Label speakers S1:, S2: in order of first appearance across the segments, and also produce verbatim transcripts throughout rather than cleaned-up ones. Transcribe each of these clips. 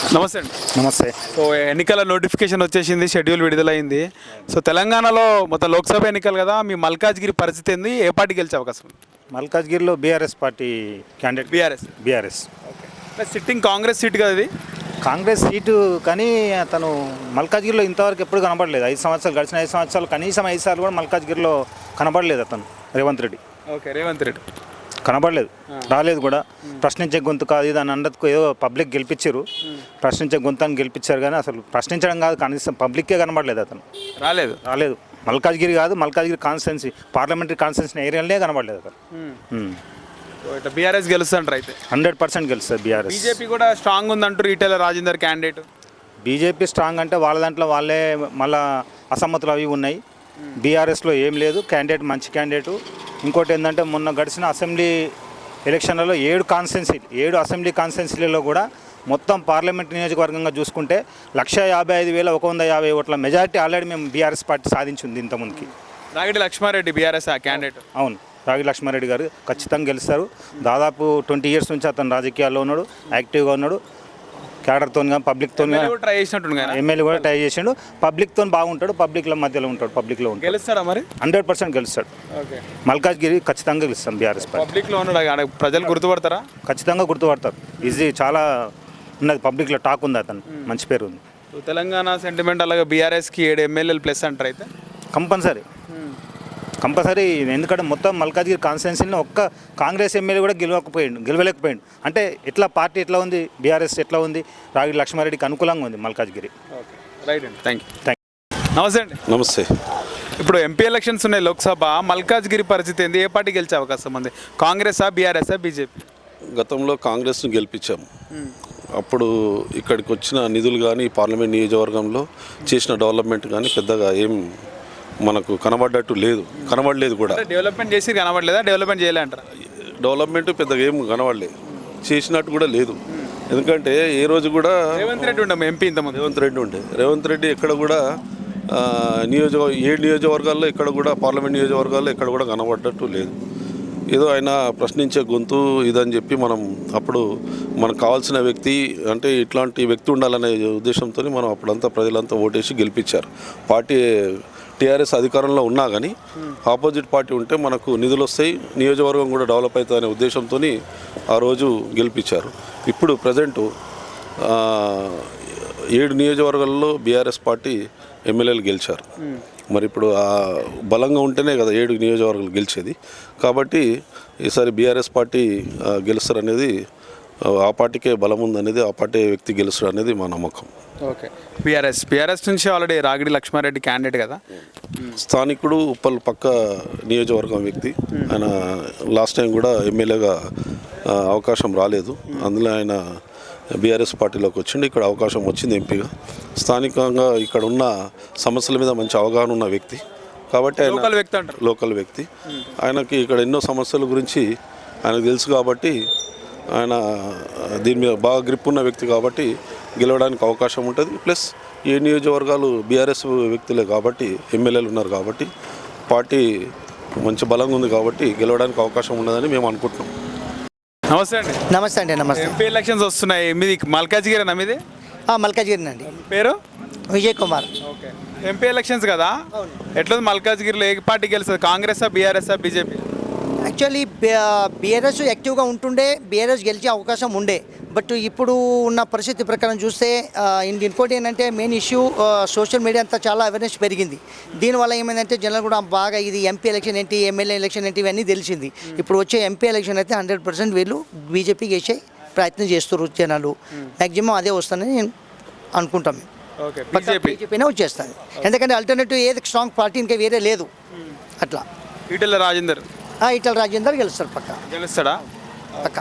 S1: నమస్తే అండి.
S2: నమస్తే.
S1: సో ఎన్నికల నోటిఫికేషన్ వచ్చేసింది, షెడ్యూల్ విడుదలైంది. సో తెలంగాణలో మొత్తం లోక్సభ ఎన్నికలు కదా, మీ మల్కాజ్గిరి పరిస్థితి ఏంది? ఏ పార్టీ గెలిచే అవకాశం ఉంది?
S2: మల్కాజ్గిరిలో BRS party candidate.
S1: BRS.
S2: BRS
S1: okay. Sitting Congress seat కదా ఇది.
S2: కాంగ్రెస్ సీటు, కానీ అతను మల్కాజ్గిరిలో ఇంతవరకు ఎప్పుడు కనబడలేదు. ఐదు సంవత్సరాలు గడిచిన ఐదు సంవత్సరాలు కనీసం ఐదు సార్లు కూడా మల్కాజ్గిరిలో కనబడలేదు అతను. రేవంత్ రెడ్డి
S1: ఓకే. రేవంత్ రెడ్డి
S2: కనబడలేదు, రాలేదు కూడా. ప్రశ్నించే గొంతు కాదు ఇది అని అన్నట్టుకు ఏదో పబ్లిక్ గెలిపించారు, ప్రశ్నించే గొంతు అని గెలిపించారు, కానీ అసలు ప్రశ్నించడం కాదు, కనీసం పబ్లిక్కే కనబడలేదు అతను.
S1: రాలేదు
S2: రాలేదు మల్కాజ్గిరి కాదు, మల్కాజ్గిరి కాన్స్టిట్యున్సీ పార్లమెంటరీ కాన్స్టిట్యున్సీ ఏరియాలనే కనబడలేదు అతను.
S1: ఇట్లా బీఆర్ఎస్ గెలుస్తుంటారు అయితే.
S2: హండ్రెడ్ పర్సెంట్ గెలుస్తుంది బీఆర్ఎస్.
S1: బీజేపీ కూడా స్ట్రాంగ్ ఉందంటారు, Etela Rajender candidate.
S2: BJP strong అంటే వాళ్ళ దాంట్లో వాళ్ళే మళ్ళా అసమ్మతులు అవి ఉన్నాయి. బీఆర్ఎస్లో ఏం లేదు, క్యాండిడేట్ మంచి క్యాండిడేటు. ఇంకోటి ఏంటంటే మొన్న గడిచిన అసెంబ్లీ ఎలక్షన్లలో ఏడు కాన్స్టిట్యున్సీ ఏడు అసెంబ్లీ కాన్స్టిట్యున్సీలలో కూడా మొత్తం పార్లమెంట్ నియోజకవర్గంగా చూసుకుంటే లక్ష యాభై ఐదు వేల ఒక వంద యాభై ఓట్ల మెజారిటీ ఆల్రెడీ మేము బీఆర్ఎస్ పార్టీ సాధించింది ఇంతకుముందుకి.
S1: Ragidi Laxma Reddy BRS candidate.
S2: అవును, రాగి లక్ష్మారెడ్డి గారు ఖచ్చితంగా గెలుస్తారు. దాదాపు ట్వంటీ ఇయర్స్ నుంచి అతను రాజకీయాల్లో ఉన్నాడు, యాక్టివ్గా ఉన్నాడు. క్యాడర్తో కానీ పబ్లిక్తో
S1: ట్రై చేసినట్టు
S2: ఎమ్మెల్యే కూడా ట్రై చేసిండు. పబ్లిక్తో బాగుంటాడు, పబ్లిక్ల మధ్యలో ఉంటాడు, పబ్లిక్లో ఉంటాడు.
S1: గెలుస్తాడా మరి?
S2: హండ్రెడ్ పర్సెంట్ గెలుస్తాడు.
S1: ఓకే.
S2: మల్కాజ్గిరి ఖచ్చితంగా గెలుస్తాం బీఆర్ఎస్ పార్టీ.
S1: పబ్లిక్లో ఉన్నాడు, ప్రజలు గుర్తుపడతారా?
S2: ఖచ్చితంగా గుర్తుపడతారు. ఈజీ చాలా ఉన్నది, పబ్లిక్లో టాక్ ఉంది, అతను మంచి పేరు ఉంది.
S1: తెలంగాణ సెంటిమెంట్ అలాగే బీఆర్ఎస్కి ఏడు ఎమ్మెల్యేలు ప్లస్ అంటారు అయితే.
S2: కంపల్సరీ కంపల్సరీ ఎందుకంటే మొత్తం మల్కాజ్గిరి కాన్స్టిట్యున్సీలో ఒక్క కాంగ్రెస్ ఎమ్మెల్యే కూడా గెలవకపోయాడు గెలవలేకపోయాడు అంటే ఎట్లా పార్టీ ఎట్లా ఉంది, బీఆర్ఎస్ ఎట్లా ఉంది, రాగి లక్ష్మారెడ్డికి అనుకూలంగా ఉంది మల్కాజ్గిరి.
S1: ఓకే, రైట్ అండి, థ్యాంక్ యూ.
S2: Thank
S1: you. నమస్తే అండి.
S3: నమస్తే.
S1: ఇప్పుడు ఎంపీ ఎలక్షన్స్ ఉన్నాయి లోక్సభ, మల్కాజ్గిరి పరిస్థితి ఏంది? ఏ పార్టీ గెలిచే అవకాశం ఉంది? కాంగ్రెసా, బీఆర్ఎస్ఆ, బీజేపీ?
S3: గతంలో కాంగ్రెస్ను గెలిపించాము. అప్పుడు ఇక్కడికి వచ్చిన నిధులు కానీ పార్లమెంట్ నియోజకవర్గంలో చేసిన డెవలప్మెంట్ కానీ పెద్దగా ఏం మనకు కనబడ్డట్టు లేదు, కనబడలేదు కూడా.
S1: డెవలప్మెంట్ చేసి కనబడలేదా? డెవలప్మెంట్ చేయలే అంటారా?
S3: డెవలప్మెంట్ పెద్దగా ఏం కనబడలేదు, చేసినట్టు కూడా లేదు. ఎందుకంటే ఏ రోజు కూడా
S1: రేవంత్ రెడ్డి ఉండే ఎంపీ ఇంతమంది
S3: రేవంత్ రెడ్డి ఉండే రేవంత్ రెడ్డి ఎక్కడ కూడా నియోజక ఏడు నియోజకవర్గాల్లో ఎక్కడ కూడా పార్లమెంట్ నియోజకవర్గాల్లో ఎక్కడ కూడా కనబడ్డట్టు లేదు. ఏదో ఆయన ప్రశ్నించే గొంతు ఇదని చెప్పి మనం అప్పుడు మనకు కావాల్సిన వ్యక్తి అంటే ఇట్లాంటి వ్యక్తి ఉండాలనే ఉద్దేశంతో మనం అప్పుడంతా ప్రజలంతా ఓటేసి గెలిపించారు. పార్టీ టీఆర్ఎస్ అధికారంలో ఉన్నా కానీ ఆపోజిట్ పార్టీ ఉంటే మనకు నిధులు వస్తాయి, నియోజకవర్గం కూడా డెవలప్ అవుతుంది అనే ఉద్దేశంతో ఆ రోజు గెలిపించారు. ఇప్పుడు ప్రజెంటు ఏడు నియోజకవర్గాల్లో బీఆర్ఎస్ పార్టీ ఎమ్మెల్యేలు గెలిచారు. మరి ఇప్పుడు ఆ బలంగా ఉంటేనే కదా ఏడు నియోజకవర్గాలు గెలిచేది. కాబట్టి ఈసారి బీఆర్ఎస్ పార్టీ గెలుస్తారు అనేది, ఆ పార్టీకే బలం ఉందనేది, ఆ పార్టీ వ్యక్తి గెలుస్తారు అనేది మా నమ్మకం.
S1: ఓకే. బీఆర్ఎస్ బీఆర్ఎస్ నుంచి ఆల్రెడీ రాగిడి లక్ష్మారెడ్డి క్యాండిడేట్ కదా,
S3: స్థానికుడు, ఉప్పల్ పక్క నియోజకవర్గం వ్యక్తి. ఆయన లాస్ట్ టైం కూడా ఎమ్మెల్యేగా అవకాశం రాలేదు, అందులో ఆయన బీఆర్ఎస్ పార్టీలోకి వచ్చిండు. ఇక్కడ అవకాశం వచ్చింది ఎంపీగా. స్థానికంగా ఇక్కడ ఉన్న సమస్యల మీద మంచి అవగాహన ఉన్న వ్యక్తి కాబట్టి ఆయన
S1: లోకల్ వ్యక్తి అంటారు.
S3: లోకల్ వ్యక్తి ఆయనకి ఇక్కడ ఎన్నో సమస్యల గురించి ఆయనకు తెలుసు కాబట్టి ఆయన దీని మీద బాగా గ్రిప్ ఉన్న వ్యక్తి కాబట్టి గెలవడానికి అవకాశం ఉంటుంది. ప్లస్ ఏ నియోజకవర్గాలు బీఆర్ఎస్ వ్యక్తులే కాబట్టి ఎమ్మెల్యేలు ఉన్నారు కాబట్టి పార్టీ మంచి బలంగా ఉంది కాబట్టి గెలవడానికి అవకాశం ఉండదని మేము అనుకుంటున్నాం.
S1: నమస్తే అండి.
S4: నమస్తే అండి. నమస్తే.
S1: ఎంపీ ఎలక్షన్స్ వస్తున్నాయి, మీది మల్కాజ్గిరి మీది?
S4: మల్కాజ్గిరి అండి.
S1: పేరు?
S4: Vijay Kumar.
S1: Okay. MP elections కదా, ఎట్లా మల్కాజ్గిరిలో ఏ పార్టీ గెలుస్తుంది? కాంగ్రెసా, బీఆర్ఎస్ఆ, బీజేపీ?
S4: యాక్చువల్లీ బీఆర్ఎస్ యాక్టివ్గా ఉంటుండే, బీఆర్ఎస్ గెలిచే అవకాశం ఉండే. బట్ ఇప్పుడు ఉన్న పరిస్థితి ప్రకారం చూస్తే ఇంకోటి ఏంటంటే మెయిన్ ఇష్యూ సోషల్ మీడియా అంతా చాలా అవేర్నెస్ పెరిగింది. దీనివల్ల ఏమైందంటే జనాలు కూడా బాగా ఇది ఎంపీ ఎలక్షన్ ఏంటి, ఎమ్మెల్యే ఎలక్షన్ ఏంటి ఇవన్నీ తెలిసింది. ఇప్పుడు వచ్చే ఎంపీ ఎలక్షన్ అయితే హండ్రెడ్ పర్సెంట్ వీళ్ళు బీజేపీకి వేసే ప్రయత్నం చేస్తారు జనాలు. మ్యాక్సిమం అదే వస్తుందని నేను అనుకుంటాం. బీజేపీనే వచ్చేస్తుంది, ఎందుకంటే ఆల్టర్నేటివ్ ఏది స్ట్రాంగ్ పార్టీ ఇంకా వేరే లేదు. అట్లా
S1: ఈటెల రాజేందర్
S4: ఈటెల రాజేందర్ గెలుస్తారు, పక్క
S1: గెలుస్తాడా?
S4: పక్క.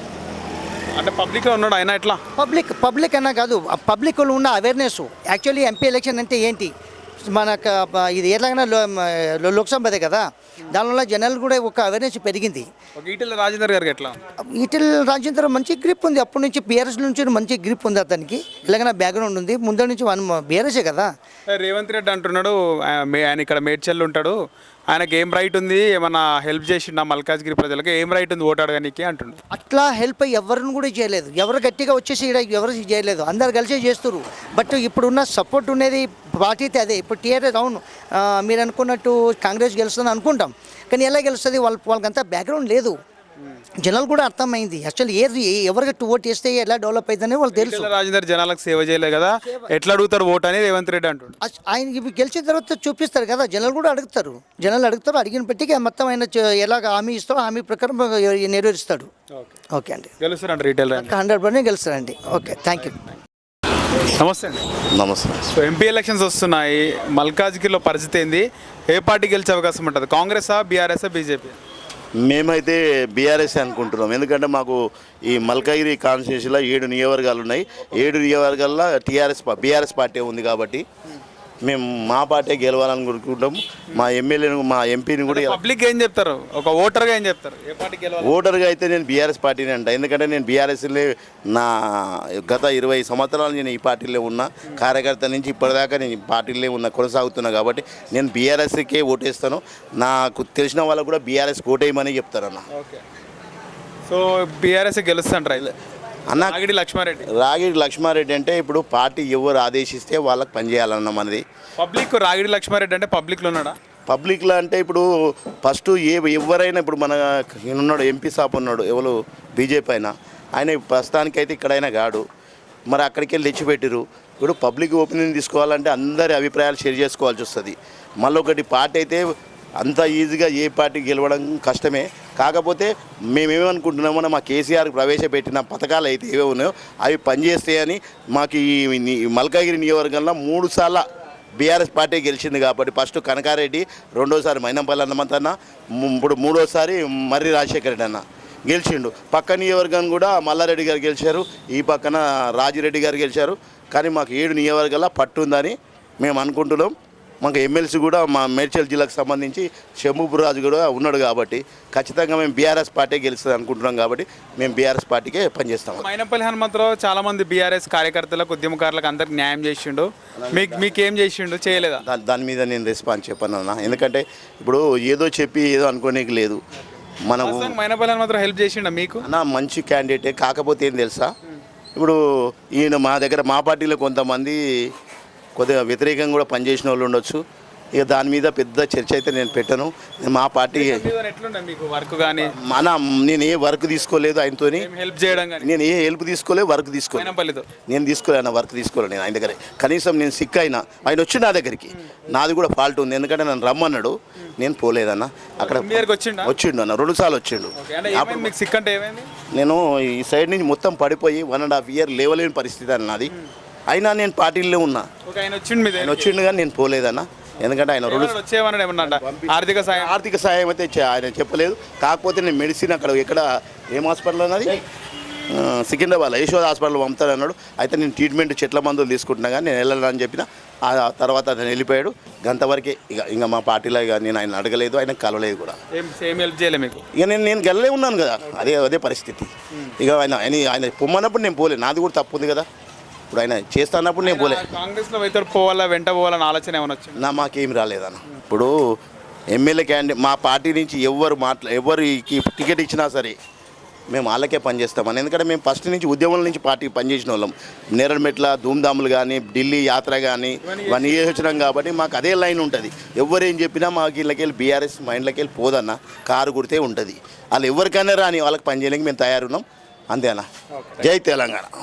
S1: అంటే పబ్లిక్లో ఉన్నాడు ఆయన. ఎట్లా
S4: పబ్లిక్ పబ్లిక్ అన్నా కాదు, పబ్లిక్లో ఉన్న అవేర్నెస్. యాక్చువల్లీ ఎంపీ ఎలక్షన్ అంటే ఏంటి, మనకు ఇది ఎలాగైనా లోక్సభదే కదా, దానివల్ల జనాలు కూడా ఒక అవేర్నెస్ పెరిగింది.
S1: ఈటెల రాజేందర్ గారికి ఎట్లా?
S4: ఈటెల రాజేందర్ మంచి గ్రిప్ ఉంది, అప్పటి నుంచి బీఆర్ఎస్ నుంచి మంచి గ్రిప్ ఉంది అతనికి, ఇలాగైనా బ్యాక్గ్రౌండ్ ఉంది, ముందు నుంచి బీఆర్ఎస్ఏ కదా.
S1: రేవంత్ రెడ్డి అంటున్నాడు ఆయన ఇక్కడ మేడ్చల్ ఉంటాడు, ఆయనకి ఏం రైట్ ఉంది, ఏమన్నా హెల్ప్ చేసిండా మల్కాజ్గిరి ప్రజలకు, ఏం రైట్ ఉంది ఓటు అడగడానికి అంటుండు.
S4: అట్లా హెల్ప్ ఎవరిని కూడా చేయలేదు. ఎవరు గట్టిగా వచ్చేసి ఈడ ఎవరు చేయలేదు, అందరు కలిసే చేస్తారు. బట్ ఇప్పుడున్న సపోర్ట్ ఉండేది పార్టీ అయితే అదే. ఇప్పుడు టీఆర్ఎస్ అవును ఆ, మీరు అనుకున్నట్టు కాంగ్రెస్ గెలుస్తుంది అనుకుంటాం, కానీ ఎలా గెలుస్తుంది వాళ్ళ వాళ్ళకంతా బ్యాక్గ్రౌండ్ లేదు. జనాలు కూడా అర్థమైంది యాక్చువల్లీ ఏది ఎవరికి ఓటు వేస్తే ఎలా డెవలప్ అవుతుందని వాళ్ళు తెలుసు.
S1: ఈటెల రాజేందర్ జనాలకు సేవ చేయలేదు కదా, ఎట్లా అడుగుతారు ఓటు అని రేవంత్ రెడ్డి అంటుండు.
S4: అస్- ఆయన ఇవి గెలిచిన తర్వాత చూపిస్తారు కదా, జనాలు కూడా అడుగుతారు. జనాలు అడుగుతారు, అడిగిన పెట్టికి మొత్తం ఆయన చ- ఎలాగ హామీ ఇస్తారో హామీ ప్రకారం నెరవేరుస్తాడు. ఓకే అండి,
S1: గెలుస్తారంట రీటైల్ రాజేందర్.
S4: హండ్రెడ్ పర్సెంట్ గెలుస్తారండి. Okay, thank you.
S1: నమస్తే అండి.
S5: నమస్తే.
S1: సో ఎంపీ ఎలక్షన్స్ వస్తున్నాయి, మల్కాజ్గిరిలో పరిస్థితి ఏంది, ఏ పార్టీ గెలిచే అవకాశం ఉంటుంది, కాంగ్రెసా బీఆర్ఎస్ బీజేపీ?
S5: మేమైతే బీఆర్ఎస్ అనుకుంటున్నాం. ఎందుకంటే మాకు ఈ మల్కాగిరి కాన్స్టిట్యూన్సీలో ఏడు నియోజకవర్గాలు ఉన్నాయి. ఏడు నియోజకవర్గాల్లో టీఆర్ఎస్ బీఆర్ఎస్ పార్టీ ఉంది కాబట్టి మేము మా పార్టీ గెలవాలని కోరుకుంటాం. మా ఎమ్మెల్యేను మా ఎంపీని కూడా
S1: పబ్లిక్ ఏం చెప్తారు, ఒక ఓటర్గా ఏం చెప్తారు, ఏ పార్టీ గెలవాలి?
S5: ఓటర్గా అయితే నేను బీఆర్ఎస్ పార్టీని అంట. ఎందుకంటే నేను బీఆర్ఎస్లో నా గత ఇరవై సంవత్సరాలు నేను ఈ పార్టీలో ఉన్నా, కార్యకర్త నుంచి ఇప్పటిదాకా నేను ఈ పార్టీలో ఉన్న కొనసాగుతున్నా కాబట్టి నేను బీఆర్ఎస్కే ఓటేస్తాను. నాకు తెలిసిన వాళ్ళకు కూడా బీఆర్ఎస్ ఓటేయమని చెప్తారన్న.
S1: ఓకే, సో బీఆర్ఎస్ గెలుస్తుంటారు
S5: అన్న
S1: నాగిడి లక్ష్మారెడ్డి.
S5: రాగిడి లక్ష్మారెడ్డి అంటే ఇప్పుడు పార్టీ ఎవరు ఆదేశిస్తే వాళ్ళకి పనిచేయాలన్న మనది.
S1: పబ్లిక్ రాగిడి లక్ష్మారెడ్డి అంటే పబ్లిక్లో ఉన్నాడా?
S5: పబ్లిక్లో అంటే ఇప్పుడు ఫస్ట్ ఏ ఎవరైనా ఇప్పుడు మన ఈయన ఉన్నాడు ఎంపీ సాప్ ఉన్నాడు ఎవరు బీజేపీ అయినా, ఆయన ప్రస్తుతానికైతే ఇక్కడైనా కాడు, మరి అక్కడికి వెళ్ళి తెచ్చిపెట్టిరు. ఇప్పుడు పబ్లిక్ ఒపీనియన్ తీసుకోవాలంటే అందరి అభిప్రాయాలు షేర్ చేసుకోవాల్సి వస్తుంది. మళ్ళీ ఒకటి పార్టీ అయితే అంత ఈజీగా ఏ పార్టీ గెలవడం కష్టమే. కాకపోతే మేమేమనుకుంటున్నామో మా కేసీఆర్ ప్రవేశపెట్టిన పథకాలు అయితే ఏవే ఉన్నాయో అవి పనిచేస్తాయని మాకు ఈ ని- మల్కాగిరి నియోజకవర్గంలో మూడు సార్ల బీఆర్ఎస్ పార్టీ గెలిచింది కాబట్టి ఫస్ట్ కనకారెడ్డి, రెండోసారి మైనంపల్లి హనుమంతన్న, ము- ఇప్పుడు మూడోసారి మర్రి రాజశేఖర రెడ్డి అన్న గెలిచిండు. పక్క నియోజకవర్గాన్ని కూడా మల్లారెడ్డి గారు గెలిచారు, ఈ పక్కన రాజిరెడ్డి గారు గెలిచారు. కానీ మాకు ఏడు నియోజకవర్గాల పట్టు ఉందని మేము అనుకుంటున్నాం. మాకు ఎమ్మెల్సీ కూడా మా మేడ్చల్ జిల్లాకు సంబంధించి షమ్ముపురాజు కూడా ఉన్నాడు కాబట్టి ఖచ్చితంగా మేము బీఆర్ఎస్ పార్టీ గెలుస్తుంది అనుకుంటున్నాం కాబట్టి మేము బీఆర్ఎస్ పార్టీకే పనిచేస్తాం.
S1: మైనంపల్లి హనుమంతరావు చాలా మంది బీఆర్ఎస్ కార్యకర్తలకు ఉద్యమకారులకు అందరికి న్యాయం చేసిండు, మీకు మీకేం చేసిండు, చేయలేదా?
S5: దాని దాని మీద నేను రెస్పాన్స్ చెప్పాను అన్న. ఎందుకంటే ఇప్పుడు ఏదో చెప్పి ఏదో అనుకోనేకి లేదు. మనకు
S1: ప్రస్తుతానికి మైనంపల్లి హనుమంతరావు హెల్ప్ చేసిండా మీకు?
S5: అన్న మంచి క్యాండిడేటే. కాకపోతే ఏం తెలుసా, ఇప్పుడు ఈయన మా దగ్గర మా పార్టీలో కొంతమంది కొద్దిగా వ్యతిరేకంగా కూడా పనిచేసిన వాళ్ళు ఉండొచ్చు. ఇక దాని మీద పెద్ద చర్చ అయితే నేను పెట్టను. మా పార్టీ
S1: ఎట్లుండే మీకు వర్క్ కానీ,
S5: మన నేను ఏ వర్క్ తీసుకోలేదు ఆయనతోని,
S1: హెల్ప్ చేయడం కానీ
S5: నేను ఏ హెల్ప్ తీసుకోలేదు, వర్క్ తీసుకోలేదు.
S1: మైనంపల్లితో
S5: నేను తీసుకోలేను, వర్క్ తీసుకోలేదు నేను ఆయన దగ్గర. కనీసం నేను సిక్ అయినా ఆయన వచ్చి నా దగ్గరికి, నాది కూడా ఫాల్ట్ ఉంది. ఎందుకంటే నన్ను రమ్మన్నాడు, నేను పోలేదన్న. అక్కడ
S1: మీ దగ్గరికి వచ్చిండా?
S5: వచ్చిండు అన్న, రెండు సార్లు వచ్చిండు.
S1: ఓకే, అంటే ఏమైంది మీకు సిక్ అంటే ఏమైంది?
S5: నేను ఈ సైడ్ నుంచి మొత్తం పడిపోయి వన్ అండ్ హాఫ్ ఇయర్ లేవలేని పరిస్థితి అన్న నాది. అయినా నేను పార్టీలో ఉన్నా.
S1: ఓకే, ఆయన వచ్చిండు మీ
S5: ఆయన
S1: దగ్గరికి.
S5: వచ్చిండు కానీ నేను పోలేదన్న. ఎందుకంటే ఆయన రెండు
S1: ఎవరు వచ్చేయమన్నాడు ఏమన్నా అంట? ఆర్థిక సాయం
S5: ఆర్థిక సాయం అయితే చే- ఆయన చెప్పలేదు. కాకపోతే నేను మెడిసిన్ అక్కడ ఎక్కడ ఏం హాస్పిటల్ అన్నది ఆ, సికింద్రాబాద్ యశోద హాస్పిటల్ పంపుతాడు అన్నాడు. అయితే నేను ట్రీట్మెంట్ చెట్ల మందులు తీసుకుంటున్నా కానీ నేను వెళ్ళాలని చెప్పిన. ఆ తర్వాత అతను వెళ్ళిపోయాడు. గంతవరకే ఇక ఇంకా మా పార్టీలో ఇక నేను ఆయన అడగలేదు, ఆయన కలవలేదు కూడా.
S1: ఏం సేమ్ హెల్ప్ చేయలే మీకు?
S5: ఇక నేను నేను గెలలే ఉన్నాను కదా, అదే అదే పరిస్థితి. ఇక ఆయన ఆయన ఆయన పొమ్మన్నప్పుడు నేను పోలే, నాది కూడా తప్పు ఉంది కదా. ఇప్పుడు ఆయన చేస్తా అన్నప్పుడు నేను పోలే.
S1: కాంగ్రెస్ లో వైతరు పోవాలా వెంట పోవాలని ఆలోచన ఏమైనా వచ్చింది?
S5: నా మాకేం రాలేదన్న. ఇప్పుడు ఎమ్మెల్యే క్యాండిడేట్ మా పార్టీ నుంచి ఎవరు మాట్లా ఎవరికి టికెట్ ఇచ్చినా సరే మేము వాళ్ళకే పనిచేస్తామని. ఎందుకంటే మేము ఫస్ట్ నుంచి ఉద్యమం నుంచి పార్టీ పనిచేసిన వాళ్ళం. నేరమెట్ల ధూమ్ధాములు కానీ, ఢిల్లీ యాత్ర కానీ ఇవన్నీ వచ్చినాం కాబట్టి మాకు అదే లైన్ ఉంటుంది. ఎవరేం చెప్పినా మాకు ఇళ్ళకెళ్ళి బీఆర్ఎస్ మా ఇంట్లోకెళ్ళి పోదన్న, కారు గుర్తే ఉంటుంది. వాళ్ళు ఎవరికైనా రాని వాళ్ళకి పని చేయడానికి మేము తయారున్నాం. అంతేనా? జై తెలంగాణ.